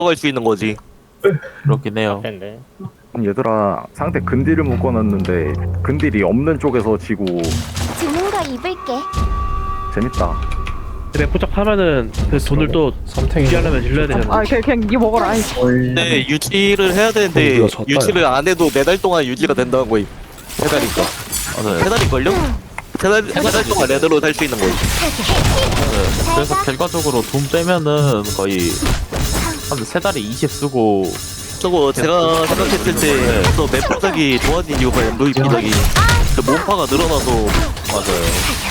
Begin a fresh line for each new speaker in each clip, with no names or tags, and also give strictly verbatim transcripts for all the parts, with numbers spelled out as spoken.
갈 수 있는 거지.
그렇긴 해요.
텐데.
얘들아 상대 근딜을 묶어놨는데 근딜이 없는 쪽에서 지고
주는 거 입을게.
재밌다.
근데 포착하면은 그 돈을 또 유지하려면 질러야 되잖아.
아 그냥 그냥 이 먹어라. 아이.
근데 유지를 해야 되는데
우리가 졌다,
유지를 안 해도 네 달 동안 유지가 된다는 거임. 세 달이니까.
맞아요.
세 달일걸요? 세 달, 세달 동안 레드로 살 수 있는 거임.
네. 그래서 결과적으로 돈 빼면은 거의 한 세 달에 이십 쓰고
저거 제가 생각했을 때 저 맵포작이 좋아진 이유가 엠브이피작이 몸파가 늘어나서
맞아요.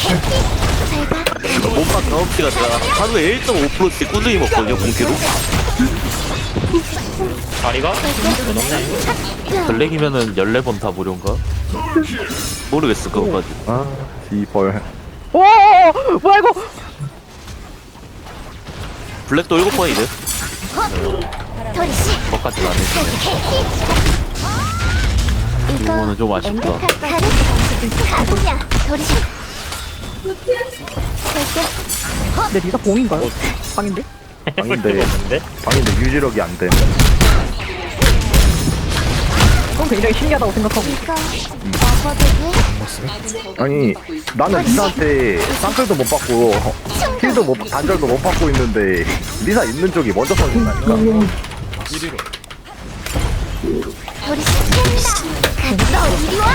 몸파 경험치가 제가 하루에 일 점 오 퍼센트씩 꾸준히 먹거든요, 공기로.
다리가? 더 높네.
블랙이면은 열네 번 다 무료인가?
모르겠어, 그거까지.
아 이벌.
오 뭐야 이거?
블랙도 일곱 번이네.
도리씨.
그것까지는 안 했네. 이거는 좀 아쉽다.
가보냐. 도리씨.
내 리사 봉인가요? 방인데?
방인데
없는데?
방인데 유지력이 안 돼.
그건 굉장히 신기하다고 생각하고.
이거 먹어도 돼?
아니 나는 리사한테 쌍끌도 못 받고 힐도 못 단절도 못 받고 있는데 리사 있는 쪽이 먼저 터진다니까.
도리씨 샌다. 너 이리 와.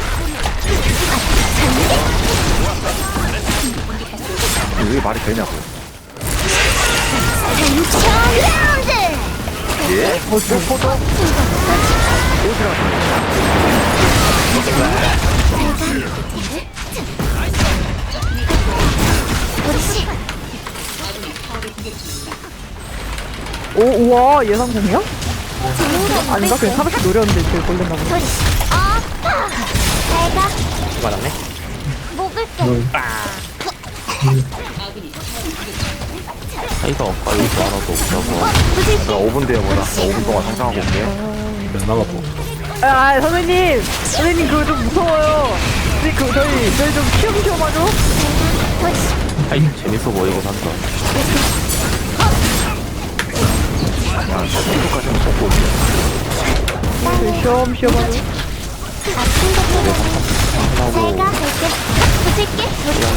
이게 말이 되냐고.
삼천 라운드.
예? 어, 뭐 퍼져?
도리씨.
오 우와 예상 공이야?
주는 거
아닌가? 그냥
입을게.
사백씩 노렸는데 제일 걸렸나 보다.
도리씨. 아파. 잘가.
맞았네.
먹을게.
차이가 없고 이거 하나도 없다고.
부술게.
나 오 분 뒤에 보자. 나 오 분 동안 상상하고 올게.
얼마나 보
아, 아 선생님 선생님 그거 좀 무서워요. 근데 그 저희 저희 좀 키움 키움 하죠.
도리씨.
차이 재밌어 보이고 한다.
야, 이거까지는 먹고 올게.
저희 시험 시험 하죠.
아픈 것보다 잘가. 볼게. 부술게. 도리씨.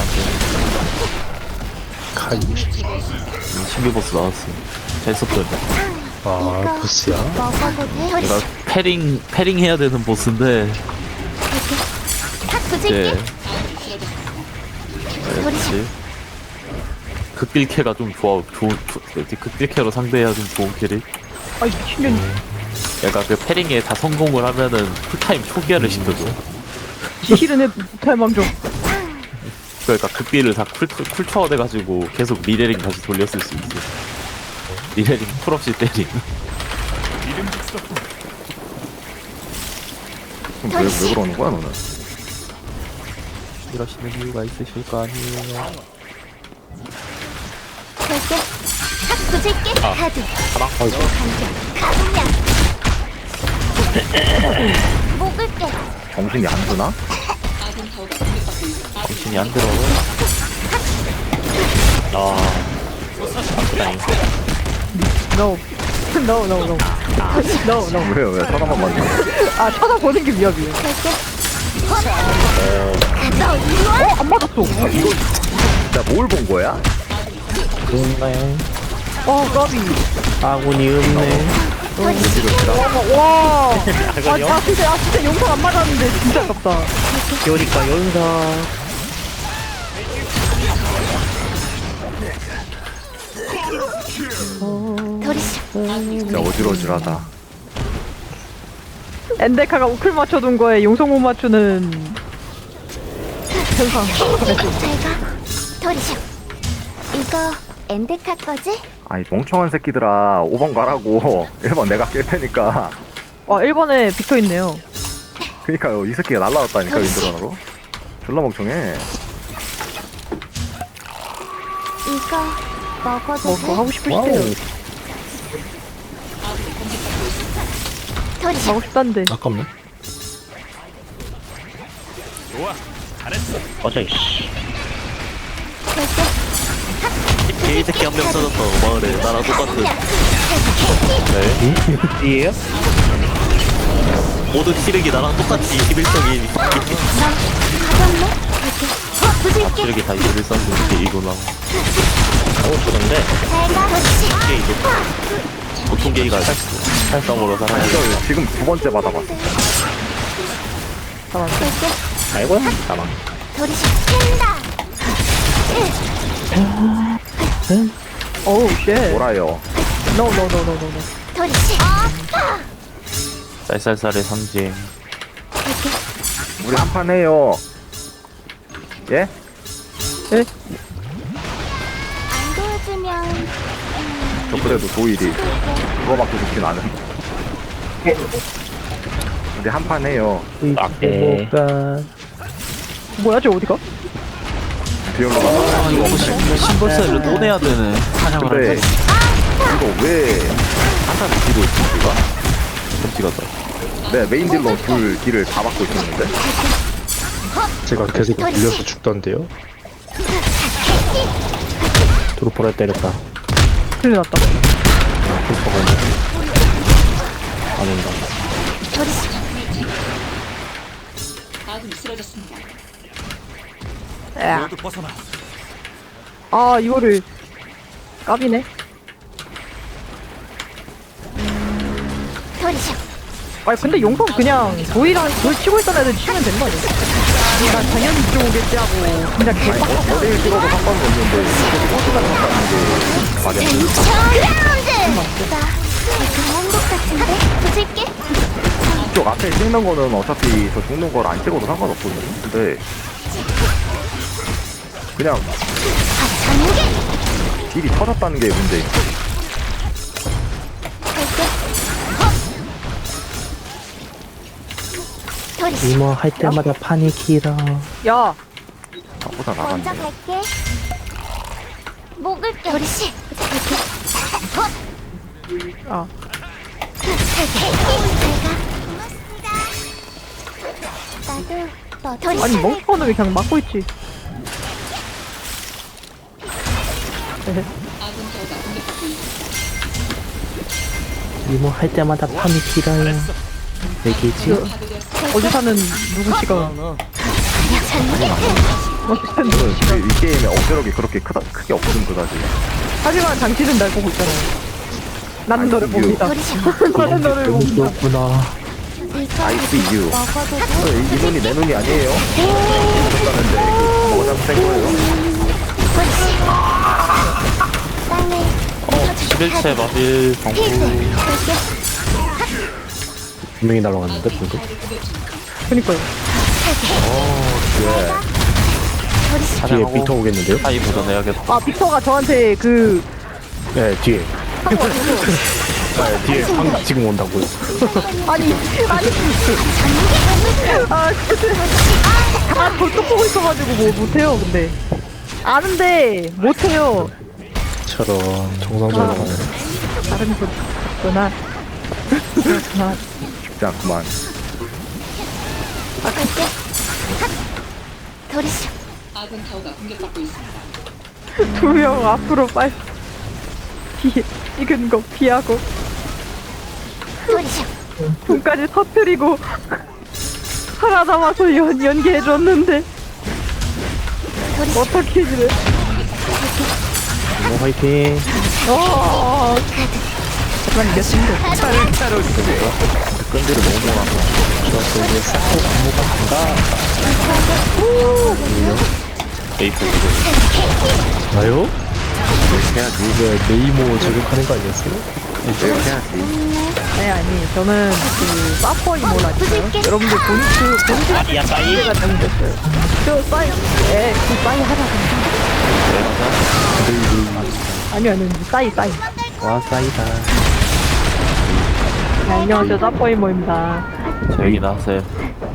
카이.
신비 보스 나왔어. 재밌었거든.
아 보스야?
먹어도 돼? 도리씨.
내가 패링 패링 해야 되는 보스인데
탁
이제
부술게.
그렇지. 극딜캐가 좀 좋아, 좋은, 좋- 극딜캐로 상대해야 좀 좋은 캐릭.
아 미친년.
얘가 그 패링에 다 성공을 하면은 풀타임 초기화를 시켜줘.
지실은 해 못할 좀.
그러니까 극딜을 다 쿨, 쿨처어 돼가지고 계속 리레링 다시 돌렸을 수 있어. 리레링 풀없이 때링.
그럼 왜, 왜 그러는 거야 너는?
이러시는 이유가 있으실 거 아니에요.
볼게. 탁 부술게. 카드.
가방.
가보냐. 먹을게.
정신이 안 드나?
정신이 안 들어.
아. 아프다잉.
No. No no no. No no.
왜 왜 쳐다만 봤냐?
아 쳐다보는 게 위협이에요.
볼게. 너 이리 와.
어 안 맞았어.
나 뭘 본 거야?
좋은가요?
어 까비.
아군이 없네.
와. 와. 아,
아군이요?
아 진짜 아 진짜 용서 안 맞았는데 진짜 아깝다.
요리까 연사.
도리씨.
진짜 어지러지하다.
엔데카가 우클 맞춰둔 거에 용서 못 맞추는 현상.
잘가. 도리씨. 이거 엔데카 거지?
아이 멍청한 새끼들아 오 번 가라고. 일 번 내가 깰 테니까.
와 일 번에 빅터 있네요.
그니까요 이 새끼가 날라왔다니까 윈드런으로. 졸라 멍청해.
이거 먹어도
뭐 그거
돼?
하고 싶으시대요.
도리씨.
하고 싶단데.
아깝네.
꺼져 이씨.
볼게.
개이 새끼 한 명 찾았다 마을에 나랑 똑같은.
뒤에요?
모든 시력이 나랑 똑같이 이십일 점이
가볍네? 어, 부술게.
시력이 다 이십일 선인데 이구나.
오 좋은데.
제가 도리시.
게이도 보통 게이가
활성으로 살아야 돼.
이거 지금 두 번째 받아봤어.
쓸게.
아이고야. 가만.
도리시. 캔다.
어우 쉣.
뭐라요?
No no no no no no.
도리시. 아파.
쌀쌀쌀의 상징.
우리 한 판 해요. 예?
안 도와주면
저 그래도 도일이 그거밖에 좋진 않은. 우리 한 판 해요.
네.
뭐가? 뭐야 저 어디가?
듀얼로 가서.
아 이거 신벌사를 또 내야 되네. 사냥을
근데
할 때.
이거 왜 한타를 뒤로 있지 우리가?
좀 찍었다.
네 메인 딜러 둘 딜을 다 받고 있었는데.
제가 계속 밀려서 죽던데요.
드로퍼를 때렸다.
큰일 났다.
드로퍼가 있네. 안 온다.
도리시.
야. 아 이거를 까비네.
도리시.
아니 근데 용성 그냥 도이랑 돌 치고 있던 애들 치면 되는 거 아니야? 난 당연히 들어오겠지 하고 그냥
아니
개빡.
어, 어딜 찍어도 상관은 없는데 이거 상관없다는 게 말이 안 돼.
라운드. 나 그런 것 같은데. 부술게.
이쪽 앞에 찍는 거는 어차피 저 죽는 걸 안 찍어도 상관없거든요. 근데 그냥
전개.
딜이 터졌다는 게 문제임.
도리시.
이모 할 때마다 판이 길어.
야
나보다
먼저
나갔네.
갈게. 목을 도리시.
아.
나도 너 도리시.
아니 멍청이는 왜 그냥 막고 있지?
이모 할 때마다 판이 길어요. 내기지?
어디 사는 누구씨가 어디 사는
저는 이, 이 게임의 억제력이 그렇게 크다, 크게 없음 그다지.
하지만 당신은 날 보고 있잖아요. 나는 너를
아이고,
봅니다.
도리시.
나는 너를
너무
봅니다.
귀엽구나.
I see you.
먹어도 돼.
어, 이, 이 눈이 내 눈이 아니에요. 그랬다는데 그 뭐가 잘못된 거예요?
도리시. 땅에
십일 채 마빌
필드. 쓸게.
분명히 날아갔는데 방금.
그니까요.
도리시.
뒤에 빅터 오겠는데요?
하이 보존해야겠다.
아 빅터가 저한테 그
네 뒤에. 네, 뒤에 방 지금 온다고요.
아니 아니 아 근데 아 벌떡 보고 있어가지고 뭐 못해요 근데 아는데 못해요.
처럼 정상적으로 가네.
다른 거구나. 그렇구나.
쉽지 않구만.
갈게. 도리시.
두 명 앞으로 빨리 피 익은 거 피하고
도리시.
눈까지 터뜨리고 하나 남아서 연 연기해줬는데
도리시.
어떻게 이래?
이모 화이팅.
어. 잠깐 이겼습니다.
끈들을 너무 몰아서.
에이프
나요?
해야지.
이게 네이모 저격하는 거 아니었어요?
내가 해야지.
네 아니 저는 그 사퍼 이모라니까요. 여러분들 본트 본트
아니야 싸이.
제가 잘못했어요. 저 싸이 에그 싸이 하자. 아니 아니 싸이 싸이.
와 싸이다.
네, 안녕하세요 사퍼 이모입니다.
저기 나왔어요.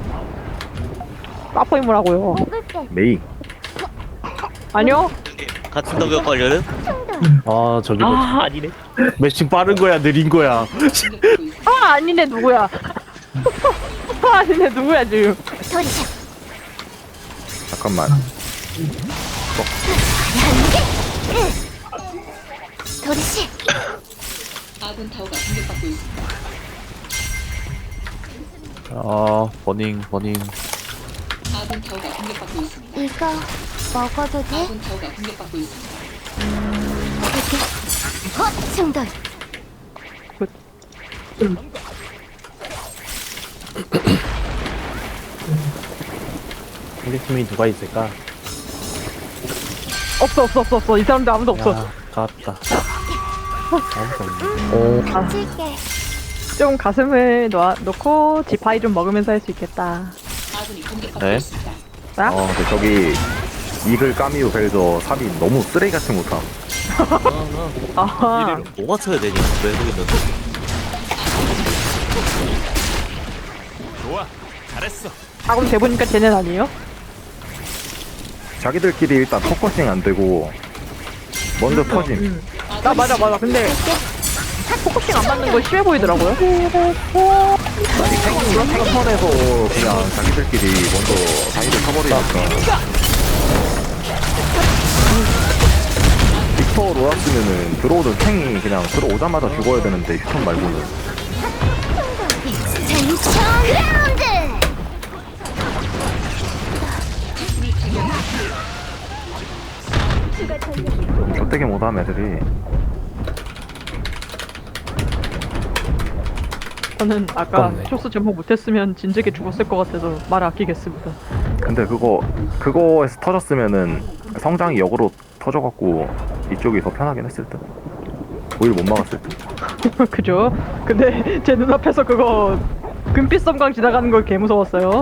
사퍼 이모라고요.
먹을게.
메이.
아니요.
같은 덕역 관련은
아 저기 뭐
아 아니네.
매칭 빠른 거야 느린 거야.
아 아니네 누구야? 아 아니네 누구야 지금?
도리시.
잠깐만.
도리씨.
아 버닝 버닝.
이거 먹어도 돼? 이렇게. 헛! 충돌.
우리 팀이 누가 있을까?
없어 없어 없어 없어 이 사람들 아무도 없어.
야 깠다.
아무도 없네. 오,
던질게.
좀 가슴을 놓아, 놓고 지파이 좀 먹으면서 할 수 있겠다.
네?
나?
어 근데 저기 이글 까미우 벨저 삼 인 너무 쓰레기 같은 못함.
아하.
뭐 맞춰야 되냐 왜 모르겠는데.
아 그럼 대보니까 쟤는 아니에요?
자기들끼리 일단 포커싱 안 되고 먼저 터짐.
나 맞아 맞아. 근데 포커싱 안 맞는 거 심해 보이더라고요.
아니 생각 선에서 그냥 자기들끼리 먼저 자기들 쳐버리니까. 빅터 로라스면은 들어오던 탱이 그냥 들어오자마자 죽어야 되는데 휴턴 말고는.
쟁천 그라운드.
좆되게 못함 애들이.
저는 아까
아깝네.
초스 제목 못했으면 진즉에 죽었을 것 같아서 말을 아끼겠습니다.
근데 그거 그거에서 터졌으면은 성장이 역으로 터져갖고 이쪽이 더 편하긴 했을 듯. 오히려 못 막았을 듯.
그죠? 근데 제 눈앞에서 그거 금빛 섬광 지나가는 걸 개 무서웠어요.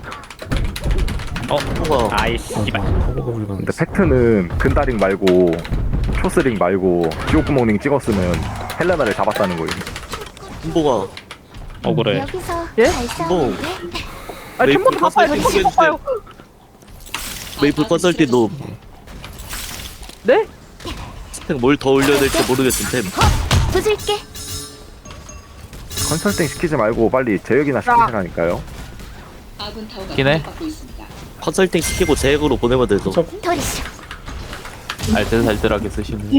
어 뭐가
아이 씨발.
허브가 불가능.
근데 팩트는 근다링 말고 초스링 말고 지옥구멍링 찍었으면 헬레나를 잡았다는 거예요.
홍보가
억울해.
여기서
예?
잘 싸우는데.
아
메이플
춤부터 바빠요.
컨설팅
춤부터 바빠요.
메이플 컨설팅도
네?
스펙 뭘 더 올려야 될지 모르겠음 템.
부술게.
컨설팅 시키지 말고 빨리 제역이나 시키시라니까요.
기네?
컨설팅 시키고 제액으로 보내면 되죠.
도리씨.
알뜰살뜰하게 쓰시는.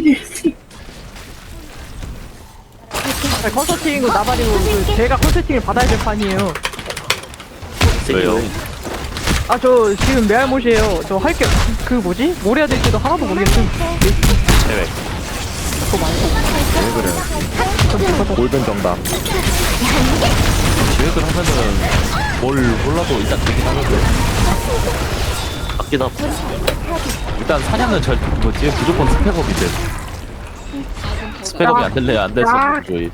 아니, 컨설팅이고 나발이고 그 제가 컨설팅을 받아야 될 판이에요.
왜요?
아 저 지금 메알못이에요. 저 할 게 그 뭐지? 뭘 해야 될지도 하나도 모르겠음.
제외.
왜 그래? 골든 정답.
계획을 하면은 뭘 몰라도 일단 되긴 하는데.
맞긴 함.
일단 사냥은 절 뭐지 무조건 스펙업인데. 스펙업이 안 될래야 안 돼서 저희.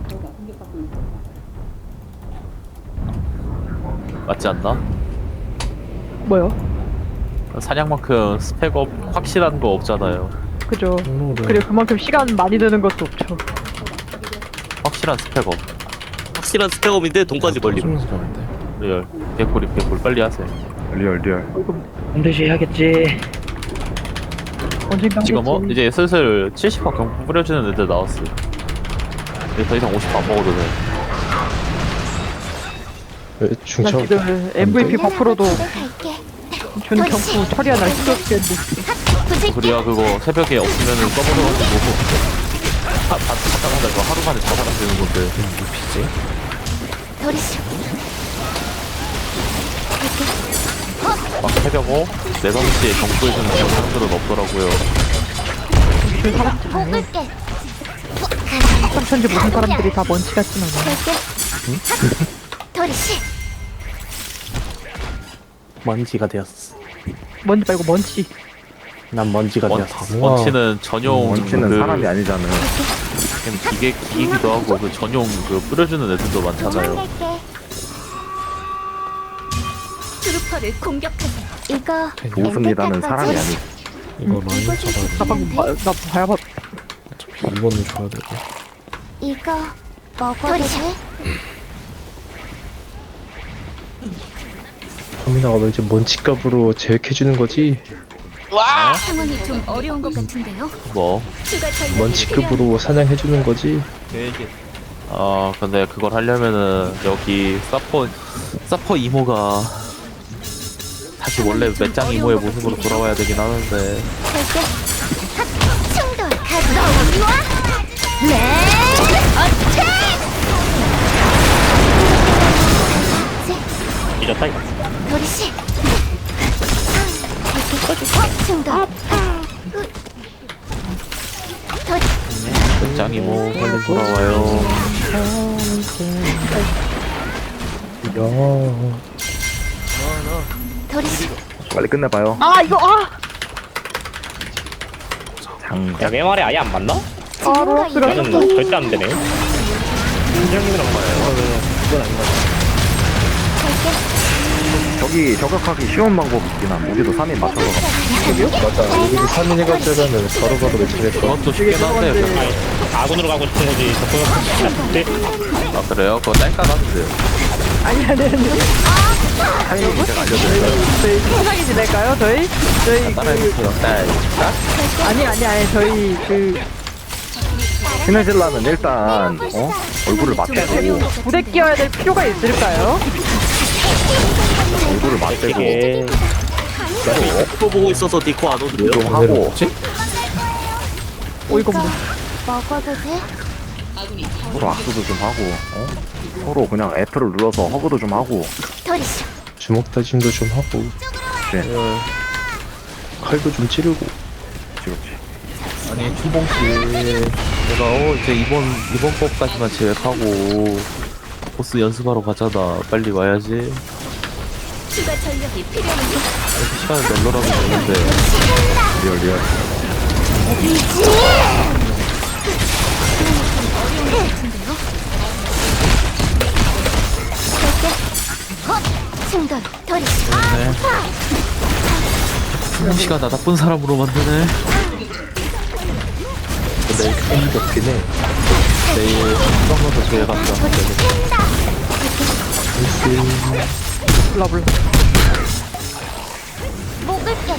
맞지 않나?
뭐요?
사냥만큼 스펙업 확실한 거 없잖아요.
그죠.
오늘은
그리고 그만큼 시간 많이 드는 것도 없죠.
확실한 스펙업.
확실한 스펙업인데 돈까지 걸림.
숨는 사람인데.
리얼. 개꿀이 개꿀 빨리 하세요.
리얼 리얼.
반드시 해야겠지.
언젠가
지금 뭐
하겠지.
이제 슬슬 칠십 화 경품 뿌려주는 애들 나왔어. 이제 더 이상 오십 안 먹어도 돼.
왜
난
중차?
지금 엠브이피 버프로도
갈게.
준 경품 처리하나 힘들었겠는데.
부술게.
그래야 그거 새벽에 없으면은 써버려가지고 하, 다, 하다가 이거 하루 만에 자살할 수 있는 건데.
도리씨.
막 새벽 오, 네, 다섯 시에 경부해주는 그런 사람들은 없더라고요.
먹을게.
삼천지 모든 사람들이 다 먼치 같진 않아.
갈게. 도리씨.
먼지가 되었어.
먼지 말고 먼치.
난 먼지가
원,
되었어.
원치는 전용
원치는
그,
사람이 아니잖아.
그냥 기계 기기기도 하고 그 전용 그 뿌려주는 애들도 많잖아요.
도망갈게. 트루퍼를 공격하세요. 이거
좋습니다는 사람이 아니.
이거 많이
이거
잡아야 돼.
나 방금 봐- 나 봐야 봐.
어차피 이거는 줘야 되고.
이거 먹어도 돼?
터미나가 너 이제 먼지값으로 제액해주는 거지?
상황이 좀 어려운 것 같은데요.
뭐,
추가 전력이
먼지급으로 사냥해주는 거지?
어 근데 그걸 하려면은 여기 사퍼 사퍼 이모가 다시 원래 맷장 이모의 모습으로 돌아와야 되긴 하는데.
갈게. 핫! 충돌 가자. 이리 와. 네.
잊었다 이거.
도리씨. 충돌.
짱이 뭐 빨리 돌아와요.
야.
도리씨.
빨리 끝내봐요.
아 이거 아
장.
야, 내 말이 아예 안 맞나?
지금과
로스가
저는
이런
절대 안 되네. 팀장님이랑 봐요.
저기 저격하기 쉬운 방법 있긴 함. 우리도 삼 인 맞춰서 가.
맞아. 우리 삼 인 해가지고는 바로바로 매칭했어.
그것도 쉽긴 한데.
아니, 아군으로 가고 싶은 거지. 적응하고 싶지.
아 그래요? 그거 짤까하는데요.
아니 아니 아니
타이밍 제가 알려드릴까요?
저희 편하게 지낼까요 저희? 저희 그
따라해주세요. 딸.
아니 아니 아니 저희 그
시네질라는 일단 어? 얼굴을 맞대고
부대 끼워야 될 필요가 있을까요?
얼굴을 맞대고
이게
또 보고 있어서 니코 안 오는데요?
좀 하고
어이가 없네.
먹어도 돼?
서로 악수도 좀 하고 어? 서로 그냥 F를 눌러서 허그도 좀 하고
도리씨.
주먹 다짐도 좀 하고.
그치
칼도 좀 찌르고.
그치
아니 주봉씨 내가 어 이제 이번 이번 법까지만 제외하고 보스 연습하러 가잖아. 빨리 와야지.
추가 전력이 필요한데.
시간을 널널하게 줬는데
리얼 리얼
충돌. 도리씨.
시간 나 나쁜 사람으로 만드네.
근데 힘이 없긴 해.
내일 한번 더 제외 간다.
몰라 몰라.
목을 펴.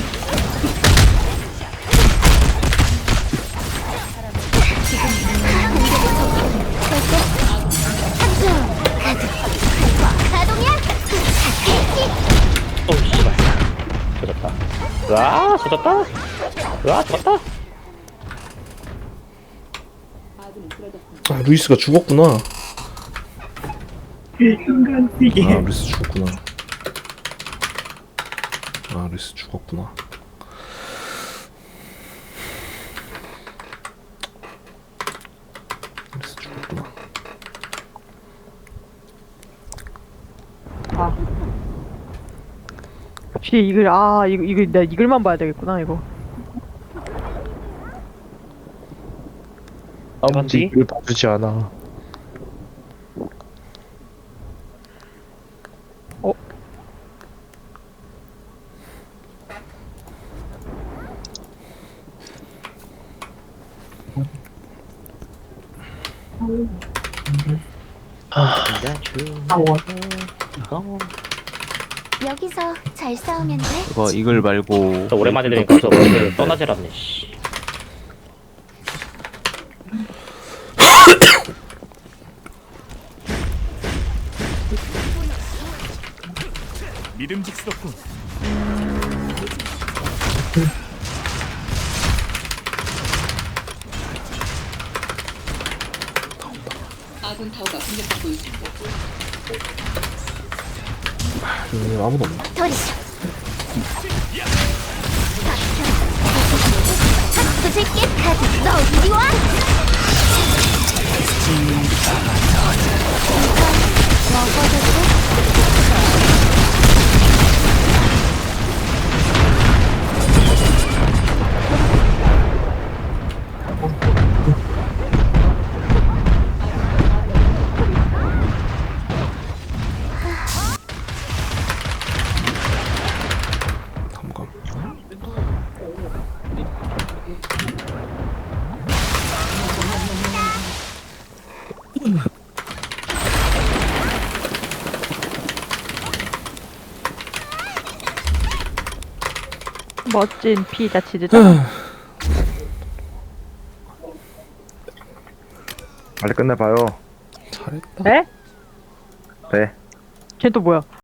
가동이야.
어 씨발. 젖었다. 와 젖었다. 와 젖었다.
아, 루이스가 죽었구나. 아, 루이스 죽었구나. 아, 루이스 죽었구나. 루이스 죽었구나.
아. 혹시 이글 아 이거 이거 내가 이글만 봐야 되겠구나 이거.
아무지 이걸 봐주지 않아.
어?
여기서 잘 싸우면 돼.
이거 이글 말고
또 오랜만에 들으니까 저 오늘 떠나질 않네. 씨.
믿음직스럽군.
아군 타워가 공격받고 있습니다.
음, 아무도 없네.
도리씨. 부술게 카드. 너 이리 와. 먹어도 돼?
잠깐.
멋진 피자 치즈잖아.
빨리 끝내봐요
잘했다.
네?
네
쟤 또 뭐야?